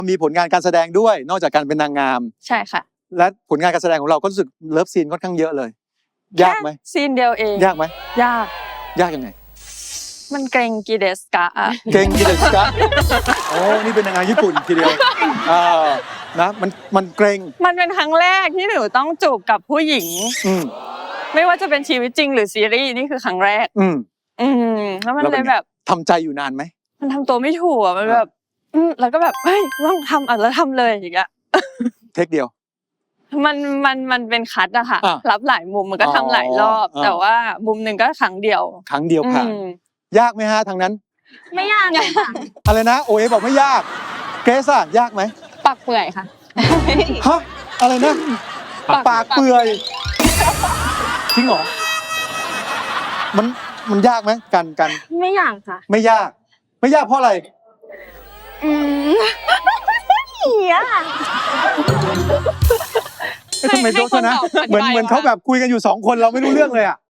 มีผลงานการแสดงด้วยนอกจากการเป็นนางงามใช่ค่ะและผลงานการแสดงของเราก็รู้สึกเลิฟซีนค่อนข้างเยอะเลย ยากไหมแค่ซีนเดียวเองยากไหมยากยากยังไงมันเกรงกีเดสกะอะเก่งกิเดสกะโอ้นี่เป็นนางงามญี่ปุ่นทีเดียวนะมันเกรงมันเป็นครั้งแรกที่หนูต้องจูบกับผู้หญิงอืมไม่ว่าจะเป็นชีวิตจริงหรือซีรีส์นี่คือครั้งแรกอืมแล้วมันแล้วเลเป็นยไงแบบทำใจอยู่นานไหมมันทำตัวไม่ถูกอะมันแบบแล้วก็แบบเฮ้ยต้องทำแล้วทำเลยอย่างเงี้ยเทคเดียวมันเป็นคัทอะค่ะอ่ะรับหลายมุมมันก็ทำหลายรอบอ่าแต่ว่ามุมหนึ่งก็ครั้งเดียวครั้งเดียวผ่าน ยากไหมฮะทางนั้นไม่ยากเลยค่ะอะไรนะโอเอบอกไม่ยากเกรซอะยากไหมปักเปื่อยค่ะฮะอะไรนะปากเปื่อยจริงเหรอมันยากไหมกันไม่ยากค่ะไม่ยากเพราะอะไรเหี้ยทำไมโต๊ะนะเหมือนเขาแบบคุยกันอยู่2 คนเราไม่รู้เรื่องเลยอ่ะ